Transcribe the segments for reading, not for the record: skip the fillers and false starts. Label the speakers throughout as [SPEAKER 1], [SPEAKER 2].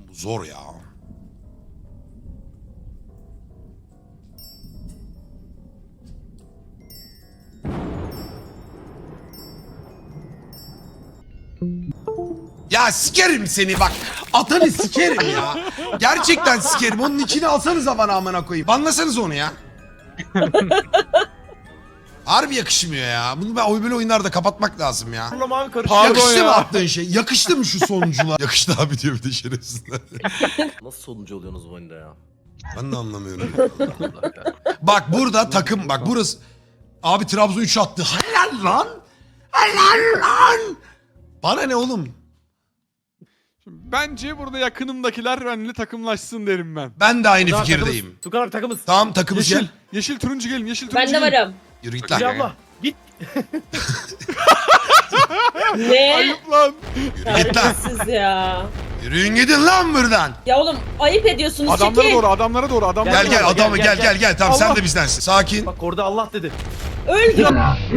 [SPEAKER 1] Bu zor ya. Ya sikerim seni bak. Atanı sikerim ya. Gerçekten sikerim. Onun içine alsanıza bana amına koyayım. Banlasanız onu ya. Harbi yakışmıyor ya. Bunu ben böyle oyunlarda kapatmak lazım ya.
[SPEAKER 2] Abi
[SPEAKER 1] Yakıştı mı attığın şey? Yakıştı mı şu sonucula? Yakıştı abi diyor bir de şerefsizler.
[SPEAKER 2] Nasıl sonuncu oluyorsunuz bu oyunda ya?
[SPEAKER 1] Ben de anlamıyorum. Bak burada takım bak burası. Abi Trabzon 3 attı. Helal lan. Helal lan. Bana ne oğlum?
[SPEAKER 3] Bence burada yakınımdakiler benimle takımlaşsın derim ben.
[SPEAKER 1] Ben de aynı fikirdeyim.
[SPEAKER 2] Tukan abi takımız.
[SPEAKER 1] Tamam takımız
[SPEAKER 3] Yeşil,
[SPEAKER 1] gel.
[SPEAKER 3] yeşil turuncu gelin, yeşil turuncu
[SPEAKER 4] Ben de
[SPEAKER 3] gelin.
[SPEAKER 4] varım.
[SPEAKER 1] Yürü git
[SPEAKER 2] Hülya
[SPEAKER 1] lan.
[SPEAKER 2] abla git.
[SPEAKER 4] Ne?
[SPEAKER 3] Ayıp lan.
[SPEAKER 1] Yürü git lan.
[SPEAKER 4] Siz ya.
[SPEAKER 1] Yürüyün gidin lan buradan.
[SPEAKER 4] Ya oğlum ayıp ediyorsunuz.
[SPEAKER 3] Adamlara
[SPEAKER 4] çekil.
[SPEAKER 3] doğru, adamlara doğru, adamlara
[SPEAKER 1] Gel
[SPEAKER 3] doğru.
[SPEAKER 1] gel adamı
[SPEAKER 2] gel,
[SPEAKER 1] gel. Tamam sen
[SPEAKER 3] Allah.
[SPEAKER 1] de bizdensin. Sakin.
[SPEAKER 2] Bak orada Allah dedi.
[SPEAKER 4] Öldüm.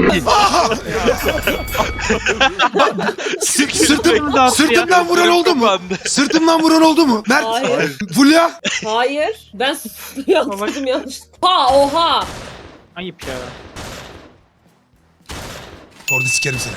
[SPEAKER 1] Sırtımdan vuran oldu mu? Sırtımdan vuran oldu mu? Mert.
[SPEAKER 4] Hayır.
[SPEAKER 1] Fulya.
[SPEAKER 4] Hayır. Ben yaptım yanlış. Ha oha.
[SPEAKER 5] Ayıp ya.
[SPEAKER 1] Orada sikerim seni.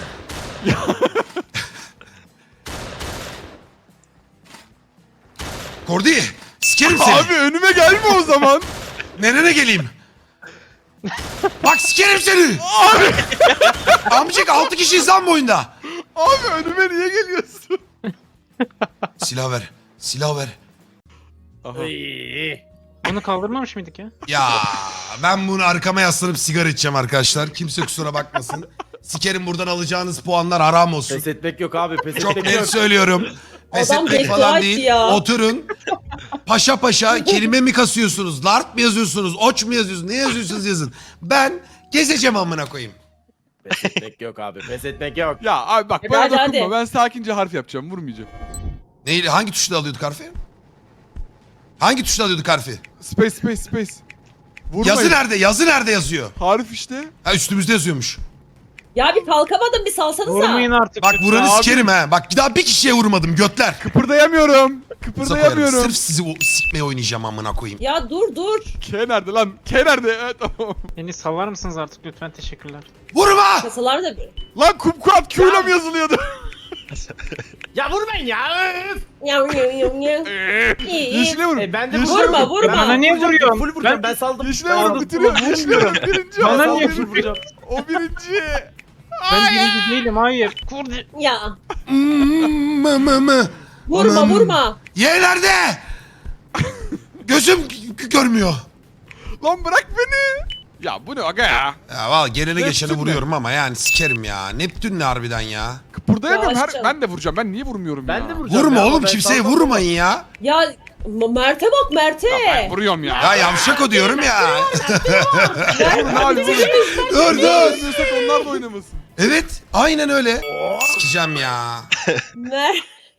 [SPEAKER 1] Kordi. Sikerim seni.
[SPEAKER 3] Abi önüme gelme o zaman.
[SPEAKER 1] Nereye geleyim? Bak sikerim seni. Amcık 6 kişiyiz lan bu oyunda.
[SPEAKER 3] Abi önüme niye geliyorsun?
[SPEAKER 1] Silah ver. Silah ver.
[SPEAKER 3] Aha.
[SPEAKER 5] Bunu kaldırmamış mıydık ya?
[SPEAKER 1] Ya ben bunu arkama yaslanıp sigara içeceğim arkadaşlar. Kimse kusura bakmasın. Sikerim buradan alacağınız puanlar haram olsun.
[SPEAKER 2] Pes etmek yok abi. Pes
[SPEAKER 1] Çok
[SPEAKER 2] etmek
[SPEAKER 1] net
[SPEAKER 2] yok.
[SPEAKER 1] söylüyorum. Pes
[SPEAKER 4] Adam
[SPEAKER 1] etmek
[SPEAKER 4] beddua
[SPEAKER 1] falan
[SPEAKER 4] etti
[SPEAKER 1] değil.
[SPEAKER 4] ya.
[SPEAKER 1] Oturun. Paşa paşa kelime mi kasıyorsunuz? Lart mı yazıyorsunuz? Oç mu yazıyorsunuz? Ne yazıyorsunuz yazın. Ben gezeceğim amına koyayım.
[SPEAKER 2] Pes etmek yok abi. Pes etmek yok.
[SPEAKER 3] Ya abi bak
[SPEAKER 4] Hadi,
[SPEAKER 3] bana
[SPEAKER 4] hadi,
[SPEAKER 3] dokunma.
[SPEAKER 4] hadi.
[SPEAKER 3] Ben sakince harf yapacağım, vurmayacağım.
[SPEAKER 1] Neyle? Hangi tuşla alıyorduk harfi? Hangi tuşla alıyorduk harfi?
[SPEAKER 3] Space. Vurmayın.
[SPEAKER 1] Yazı nerede? Yazı nerede yazıyor?
[SPEAKER 3] Harf işte.
[SPEAKER 1] Ha üstümüzde yazıyormuş.
[SPEAKER 4] Ya bir kalkamadım bir salsanıza.
[SPEAKER 5] Vurmayın artık.
[SPEAKER 1] Bak vuranı
[SPEAKER 3] Abi.
[SPEAKER 1] sikerim ha. Bak daha bir kişiye vurmadım götler.
[SPEAKER 3] Kıpırdayamıyorum.
[SPEAKER 1] Sokarım.
[SPEAKER 3] Kıpırdayamıyorum.
[SPEAKER 1] Sırf sizi sikmeye oynayacağım amına koyayım.
[SPEAKER 4] Ya dur.
[SPEAKER 3] K nerede lan? K nerede? Evet tamam.
[SPEAKER 5] Beni sallar mısınız artık lütfen, teşekkürler.
[SPEAKER 1] Vurma!
[SPEAKER 4] Kasalar da bir.
[SPEAKER 3] Lan kumkuat Q'yla mı yazılıyordu?
[SPEAKER 2] Ya vurmayın ya. Öf.
[SPEAKER 4] İyi.
[SPEAKER 3] Yeşile vurun.
[SPEAKER 2] Ben de
[SPEAKER 3] Yeşile
[SPEAKER 4] Vurma
[SPEAKER 3] vurun.
[SPEAKER 5] Bana
[SPEAKER 4] vurma.
[SPEAKER 5] niye vuruyorsun?
[SPEAKER 2] Full vuracağım. Ben saldım.
[SPEAKER 3] Yeşile vurun, bitiriyor. Yeşile vurun. Birinci o.
[SPEAKER 5] Bana
[SPEAKER 3] Sal
[SPEAKER 5] niye
[SPEAKER 3] birinci.
[SPEAKER 5] vuruyorsun?
[SPEAKER 3] O birinci.
[SPEAKER 5] Ben birinci değilim, hayır. Kurdi.
[SPEAKER 4] Ya.
[SPEAKER 1] Mı.
[SPEAKER 4] Vurma
[SPEAKER 1] Anam.
[SPEAKER 4] vurma.
[SPEAKER 1] Ye nerede? Gözüm görmüyor.
[SPEAKER 3] Lan bırak beni. Ya bu ne aga ya?
[SPEAKER 1] Ya valla gelene geçene
[SPEAKER 3] Neptün
[SPEAKER 1] vuruyorum ama yani sikerim ya. Neptün ne harbiden ya?
[SPEAKER 3] Kıpırdayamıyorum.
[SPEAKER 4] Ya aşkım.
[SPEAKER 3] Ben de vuracağım. Ben niye vurmuyorum ya?
[SPEAKER 2] Ben de vuracağım.
[SPEAKER 1] Vurma
[SPEAKER 2] ya,
[SPEAKER 1] oğlum
[SPEAKER 2] ben
[SPEAKER 1] kimseye
[SPEAKER 2] saldım.
[SPEAKER 1] vurmayın ya.
[SPEAKER 4] Ya Mert'e bak Mert'e.
[SPEAKER 3] Ben vuruyorum ya.
[SPEAKER 1] Ya yavşak o diyorum ya.
[SPEAKER 3] Vurun abi vurun.
[SPEAKER 1] Dur dur.
[SPEAKER 3] Oynamıyorsak onlar da oynamasın.
[SPEAKER 1] Evet aynen öyle. Sikeceğim ya.
[SPEAKER 4] Mert.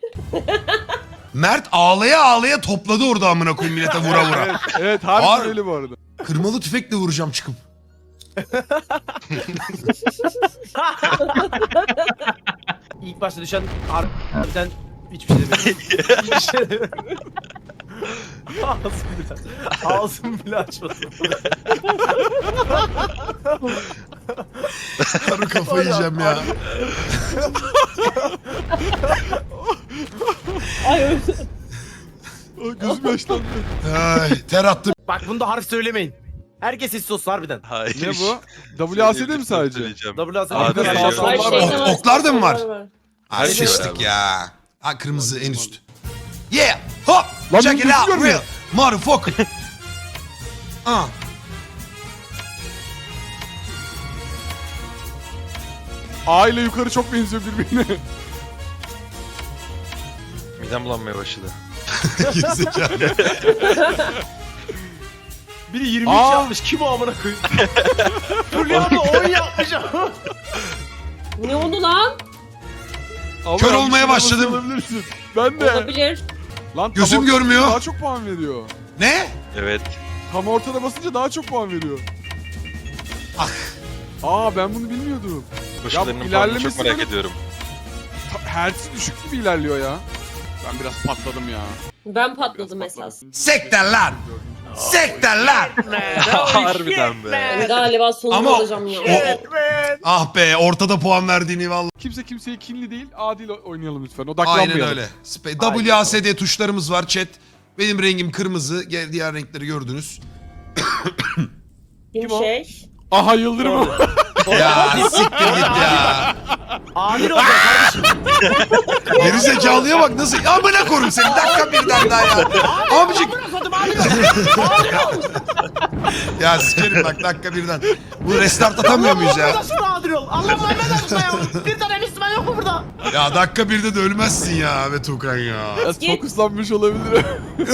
[SPEAKER 1] Mert ağlaya ağlaya topladı orada amına koyayım millete vura vura.
[SPEAKER 3] Evet, evet harbiden
[SPEAKER 1] Var.
[SPEAKER 3] öyle bu arada.
[SPEAKER 1] Kırmalı tüfekle vuracağım çıkıp.
[SPEAKER 2] İlk başta düşen harbiden hiçbir şey demiyorum. Hiçbir şey demiyorum. Ağzım bile açmadım.
[SPEAKER 1] Harbi kafayı yiyeceğim ya.
[SPEAKER 4] Ay öldü.
[SPEAKER 3] Ay, gözüm yaşlandı.
[SPEAKER 1] Ay, ter attım.
[SPEAKER 2] Bak bunda harf söylemeyin. Herkes sessiz olsun harbiden.
[SPEAKER 6] Hayır.
[SPEAKER 3] Ne bu? WASD mi sadece?
[SPEAKER 2] WASD.
[SPEAKER 6] Hadi
[SPEAKER 2] Arkadaşlar,
[SPEAKER 6] ya.
[SPEAKER 2] sol
[SPEAKER 4] Ay,
[SPEAKER 2] var.
[SPEAKER 4] şeytan
[SPEAKER 1] Ok- oklar da mı var?
[SPEAKER 4] var.
[SPEAKER 1] Ha
[SPEAKER 6] Her şey var
[SPEAKER 1] sıçtık
[SPEAKER 6] abi.
[SPEAKER 1] ya. Ha kırmızı en üst. Yeah! Hop!
[SPEAKER 3] Lan
[SPEAKER 1] Check it
[SPEAKER 3] bunu
[SPEAKER 1] out
[SPEAKER 3] görmüyor.
[SPEAKER 1] real motherfucker. Ah.
[SPEAKER 3] A ile yukarı çok benziyor birbirine.
[SPEAKER 6] Midem bulanmaya başladı.
[SPEAKER 1] Gerizekalı.
[SPEAKER 2] Biri 23
[SPEAKER 3] Aa.
[SPEAKER 2] yapmış. Kim o amına koyayım? Fulya abi 10 yapmış.
[SPEAKER 4] Ne oldu lan?
[SPEAKER 3] Allah
[SPEAKER 1] Kör
[SPEAKER 3] Allah,
[SPEAKER 1] olmaya
[SPEAKER 3] bir şey
[SPEAKER 1] başladım.
[SPEAKER 3] olabilirsin. Ben de.
[SPEAKER 4] Olabilir.
[SPEAKER 3] Lan tam
[SPEAKER 1] Gözüm
[SPEAKER 3] ortada
[SPEAKER 1] görmüyor.
[SPEAKER 3] Daha çok puan veriyor.
[SPEAKER 1] Ne?
[SPEAKER 6] Evet.
[SPEAKER 3] Tam ortada basınca daha çok puan veriyor.
[SPEAKER 1] Ah.
[SPEAKER 3] Aa ben bunu bilmiyordum.
[SPEAKER 6] Başkalarının puanını
[SPEAKER 3] ilerlemesi
[SPEAKER 6] çok merak
[SPEAKER 3] böyle-
[SPEAKER 6] ediyorum.
[SPEAKER 3] Hertz düşük gibi ilerliyor ya. Ben biraz patladım ya.
[SPEAKER 4] Ben patladım esas.
[SPEAKER 1] Sekter lan. Sekter lan.
[SPEAKER 6] Harbiden be.
[SPEAKER 4] Yani galiba sonunu
[SPEAKER 1] Ama
[SPEAKER 4] alacağım ya.
[SPEAKER 1] ah be ortada puan verdiğini vallahi.
[SPEAKER 3] Kimse kimseye kinli değil, adil oynayalım lütfen. Odaklanmayalım.
[SPEAKER 1] Aynen öyle. WASD tuşlarımız var chat. Benim rengim kırmızı. Diğer renkleri gördünüz.
[SPEAKER 4] Kim
[SPEAKER 2] o?
[SPEAKER 4] şey?
[SPEAKER 3] Aha Yıldırım.
[SPEAKER 1] Ya siktir git ya.
[SPEAKER 2] Adil olacak kardeşim.
[SPEAKER 1] Geri zekalıya bak nasıl. Amına korum seni. Dakika birden daha ya. Amcık. Ya sikerim bak dakika birden. Bu restart atamıyor muyuz ya?
[SPEAKER 2] Nasıl adil ol? Allah Muhammed adına ya. Bir tane Müslüman yok mu burada?
[SPEAKER 1] Ya dakika birde de ölmezsin ya be Tukan ya.
[SPEAKER 3] Biraz fokuslanmış olabilir.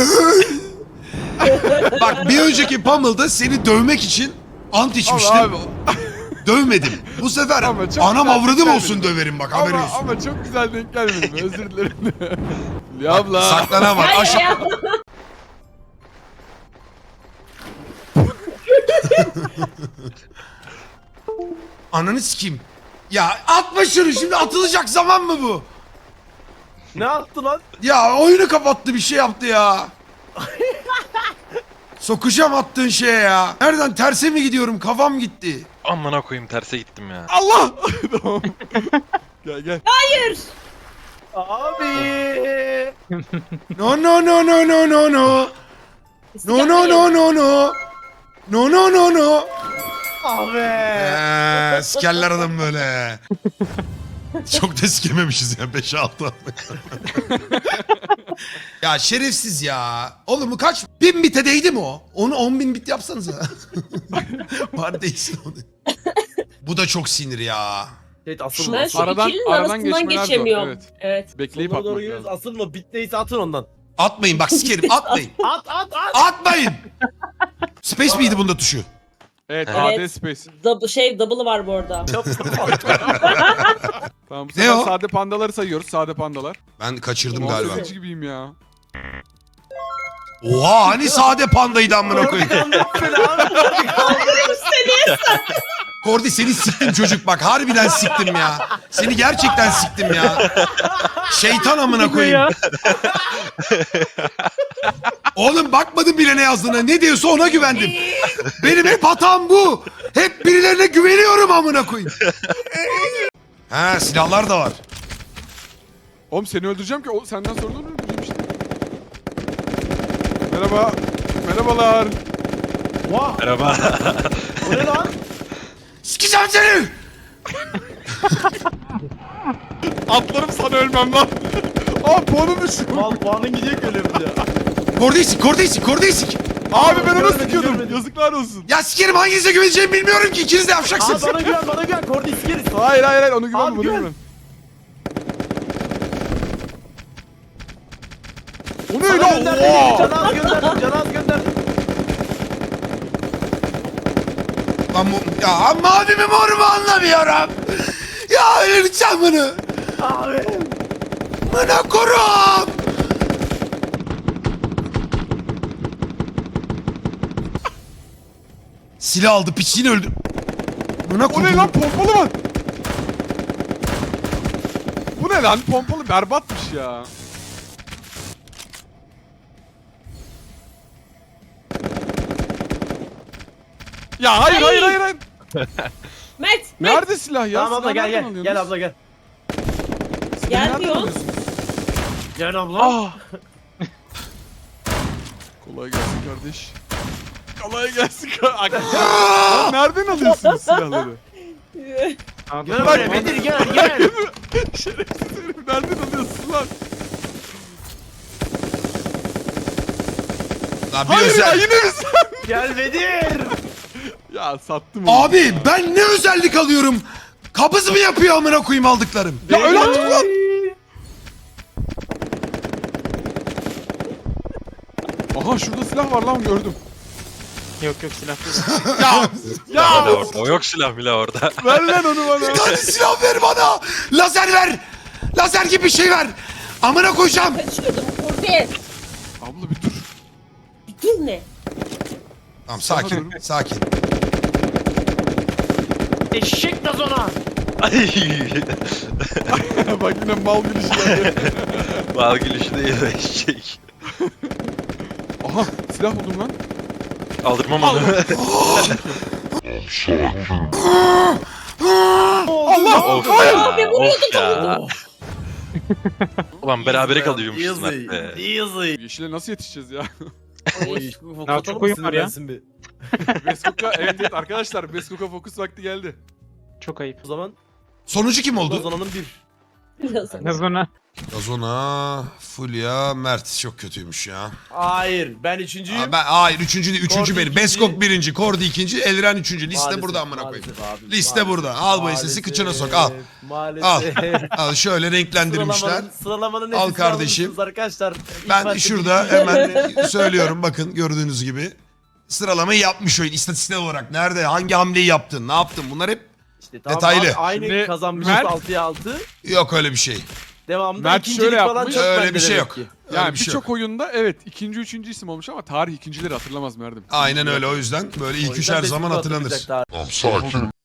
[SPEAKER 1] Bak bir önceki Pummel'da seni dövmek için ant içmiştim.
[SPEAKER 3] Abi.
[SPEAKER 1] Dövmedim. Bu sefer
[SPEAKER 3] Ama çok
[SPEAKER 1] anam
[SPEAKER 3] güzel
[SPEAKER 1] avradım
[SPEAKER 3] gelmedi.
[SPEAKER 1] olsun döverim bak haberin olsun.
[SPEAKER 3] Ama çok güzel denk gelmedi mi? Özür dilerim. Ya abla.
[SPEAKER 1] Saklana bak
[SPEAKER 4] Hayır
[SPEAKER 1] aşağı.
[SPEAKER 4] ya.
[SPEAKER 1] Ananı sikeyim. Ya atma şunu şimdi atılacak zaman mı bu?
[SPEAKER 2] Ne yaptı lan?
[SPEAKER 1] Ya oyunu kapattı bir şey yaptı ya. Sokacağım attığın şeye ya. Nereden terse mi gidiyorum kafam gitti.
[SPEAKER 6] Amına koyayım terse gittim ya.
[SPEAKER 3] Allah. Tamam. Gel.
[SPEAKER 4] Hayır.
[SPEAKER 2] Abi.
[SPEAKER 1] No no no no no no no. No no no no no. No no no no.
[SPEAKER 2] Abi.
[SPEAKER 1] Sikerler adam böyle. Çok da sikememişiz ya 5-6 Ya şerefsiz ya. Oğlum bu kaç? 1000 bite değdi mi o? Onu 10.000 bit yapsanıza. Var değilsin onu. Bu da çok sinir ya.
[SPEAKER 2] Evet asıl
[SPEAKER 4] Ben
[SPEAKER 2] mı?
[SPEAKER 4] şu
[SPEAKER 3] Aradan-
[SPEAKER 4] ikilinin
[SPEAKER 3] aradan
[SPEAKER 4] arasından
[SPEAKER 3] geçmeler zor,
[SPEAKER 4] geçemiyorum.
[SPEAKER 3] evet.
[SPEAKER 4] Evet.
[SPEAKER 3] Bekleyip
[SPEAKER 2] Sonuna
[SPEAKER 3] atmak
[SPEAKER 2] doğru yürüyoruz.
[SPEAKER 3] lazım.
[SPEAKER 2] Asıl mı? Bit neyse atın ondan.
[SPEAKER 1] Atmayın bak sikerim atmayın.
[SPEAKER 2] At.
[SPEAKER 1] Atmayın. Space miydi bunda tuşu?
[SPEAKER 3] Evet,
[SPEAKER 4] Evet.
[SPEAKER 3] AD Space.
[SPEAKER 4] Double'ı var bu arada.
[SPEAKER 3] Tamam bu
[SPEAKER 1] Ne
[SPEAKER 3] sefer
[SPEAKER 1] o?
[SPEAKER 3] sade pandaları sayıyoruz. Sade pandalar.
[SPEAKER 1] Ben kaçırdım
[SPEAKER 3] Ulan
[SPEAKER 1] galiba.
[SPEAKER 3] sözcü gibiyim ya.
[SPEAKER 1] Oha hani sade pandaydı amına koyayım. Kordi seni siktim çocuk bak harbiden siktim ya. Seni gerçekten siktim ya. Şeytan amına koyayım. Oğlum bakmadım bile ne yazdığına. Ne diyorsa ona güvendim. Benim hep hatam bu. Hep birilerine güveniyorum amına koyayım. Ha silahlar da var.
[SPEAKER 3] Oğlum seni öldüreceğim ki o senden sonra da onu öldüreyim işte. Merhaba. Merhabalar.
[SPEAKER 2] Vah.
[SPEAKER 6] Merhaba.
[SPEAKER 2] Bu ne lan?
[SPEAKER 1] Sikeceğim seni.
[SPEAKER 3] Atlarım sana ölmem lan. Aa puanım düştü.
[SPEAKER 2] Mal puanın gidecek öyle bir de.
[SPEAKER 1] Kordi sik.
[SPEAKER 3] Abi ben onu
[SPEAKER 2] Görmedim,
[SPEAKER 3] sıkıyordum.
[SPEAKER 2] görmedim.
[SPEAKER 3] Yazıklar olsun.
[SPEAKER 1] Ya sikerim hanginize güveneceğimi bilmiyorum ki. İkiniz de
[SPEAKER 2] Abi
[SPEAKER 1] yavşaksınız.
[SPEAKER 2] bana güven. Kordi iskeriz.
[SPEAKER 3] Hayır onu güvenme
[SPEAKER 2] Abi,
[SPEAKER 3] bunu
[SPEAKER 2] güven.
[SPEAKER 3] güven. O ne öyle? Oha!
[SPEAKER 2] Canaz gönderdim.
[SPEAKER 1] Lan ya mavi mi mor mu anlamıyorum. Ya öleceğim bunu.
[SPEAKER 2] Abi.
[SPEAKER 1] Bana korum. Silah aldı piçliğini öldü. Bana
[SPEAKER 3] O ne lan pompalı var? Bu ne lan pompalı berbatmış ya. Ya hayır.
[SPEAKER 4] Mert.
[SPEAKER 3] Nerede silah ya?
[SPEAKER 2] Tamam abla
[SPEAKER 3] Silah
[SPEAKER 2] gel
[SPEAKER 3] nereden
[SPEAKER 2] gel.
[SPEAKER 3] alıyorsunuz?
[SPEAKER 2] Gel abla gel.
[SPEAKER 3] Silahı nereden
[SPEAKER 4] Gelmiyor.
[SPEAKER 3] alıyorsunuz?
[SPEAKER 2] Gel abla.
[SPEAKER 3] Ah. Kolay gelsin kardeş. Kolay gelsin kardeş. Lan nereden alıyorsunuz silahları?
[SPEAKER 2] Gel buraya Bedir gel.
[SPEAKER 3] Şerefsiz herif nereden alıyorsun lan?
[SPEAKER 1] Lan bir
[SPEAKER 3] Hayır ya
[SPEAKER 1] özel...
[SPEAKER 3] yine mi sen?
[SPEAKER 2] Gel Bedir.
[SPEAKER 3] Ya sattım onu.
[SPEAKER 1] Abi ben ne özellik alıyorum? Kabız mı yapıyor amına koyayım aldıklarım?
[SPEAKER 3] Ya öyle artık lan. Aha şurada silah var lan gördüm.
[SPEAKER 5] Yok silah değil.
[SPEAKER 3] Ya
[SPEAKER 6] Hala orada. O yok silah bile orada.
[SPEAKER 3] ver lan onu bana.
[SPEAKER 1] Hadi silah ver bana. Lazer ver. Lazer gibi bir şey ver. Amına koyacağım.
[SPEAKER 4] Kaçıyordum. Kordi.
[SPEAKER 3] Abla bir dur.
[SPEAKER 4] Bir dur ne?
[SPEAKER 1] Tamam sakin.
[SPEAKER 2] Eşek gazona.
[SPEAKER 6] Ay.
[SPEAKER 3] Bak yine mal gülüşü geldi.
[SPEAKER 6] Bal gülüşü değil de eşek.
[SPEAKER 3] Aha silah buldum lan.
[SPEAKER 6] Aldırmam onu.
[SPEAKER 3] Allah!
[SPEAKER 6] Of
[SPEAKER 3] Hayır!
[SPEAKER 6] ya.
[SPEAKER 4] Abi, vuruyordum
[SPEAKER 6] Of ya. Ulan berabere kalıyormuşuz
[SPEAKER 2] Easy.
[SPEAKER 6] Mert be.
[SPEAKER 2] Easy.
[SPEAKER 3] Yeşile nasıl yetişeceğiz ya?
[SPEAKER 2] Oy,
[SPEAKER 5] Daha çok oyun var ya.
[SPEAKER 2] Bir.
[SPEAKER 3] Beskok'a evet arkadaşlar Beskok'a fokus vakti geldi.
[SPEAKER 5] Çok ayıp.
[SPEAKER 2] O zaman
[SPEAKER 1] Sonucu kim oldu?
[SPEAKER 2] Ozan'ın bir.
[SPEAKER 4] Biraz.
[SPEAKER 5] Ne sonra?
[SPEAKER 1] Gazona, Fulya, Mert çok kötüymüş ya.
[SPEAKER 2] Hayır, ben üçüncüyüm.
[SPEAKER 1] Hayır üçüncü değil, üçüncü
[SPEAKER 2] Kordi
[SPEAKER 1] benim.
[SPEAKER 2] ikinci.
[SPEAKER 1] Beskok birinci, Kordi ikinci, Elren üçüncü. Liste
[SPEAKER 2] Maalesef,
[SPEAKER 1] burada amına koyayım.
[SPEAKER 2] maalesef abi,
[SPEAKER 1] Liste
[SPEAKER 2] maalesef,
[SPEAKER 1] burada. Al bu sesi kıçına sok, al.
[SPEAKER 2] Maalesef.
[SPEAKER 1] Al şöyle renklendirmişler.
[SPEAKER 2] Sıralamanın
[SPEAKER 1] Al
[SPEAKER 2] hepsini
[SPEAKER 1] kardeşim.
[SPEAKER 2] almışsınız arkadaşlar. İlk
[SPEAKER 1] Ben
[SPEAKER 2] başta
[SPEAKER 1] şurada
[SPEAKER 2] bir-
[SPEAKER 1] hemen söylüyorum bakın gördüğünüz gibi. Sıralamayı yapmış oyun istatistiksel olarak. Nerede, hangi hamleyi yaptın, ne yaptın bunlar hep
[SPEAKER 2] İşte tamam,
[SPEAKER 1] detaylı.
[SPEAKER 2] abi, aynı
[SPEAKER 3] Şimdi
[SPEAKER 2] kazanmışız
[SPEAKER 3] Mert-
[SPEAKER 2] 6'ya 6.
[SPEAKER 1] yok öyle bir şey.
[SPEAKER 2] Devamında
[SPEAKER 3] Mert
[SPEAKER 2] ikincilik
[SPEAKER 3] şöyle
[SPEAKER 2] falan
[SPEAKER 3] yapmış.
[SPEAKER 2] çok
[SPEAKER 1] Öyle
[SPEAKER 2] bende
[SPEAKER 1] bir şey
[SPEAKER 2] demek
[SPEAKER 1] yok.
[SPEAKER 2] ki.
[SPEAKER 1] Öyle
[SPEAKER 3] Yani
[SPEAKER 1] bir şey
[SPEAKER 3] birçok
[SPEAKER 1] yok.
[SPEAKER 3] oyunda evet ikinci üçüncü isim olmuş ama tarih ikincileri hatırlamaz Merdim.
[SPEAKER 1] Aynen öyle o yüzden böyle ilk
[SPEAKER 2] O
[SPEAKER 1] üç
[SPEAKER 2] yüzden
[SPEAKER 1] her
[SPEAKER 2] Beskok'u
[SPEAKER 1] zaman hatırlanır.
[SPEAKER 2] hatırlayacak daha.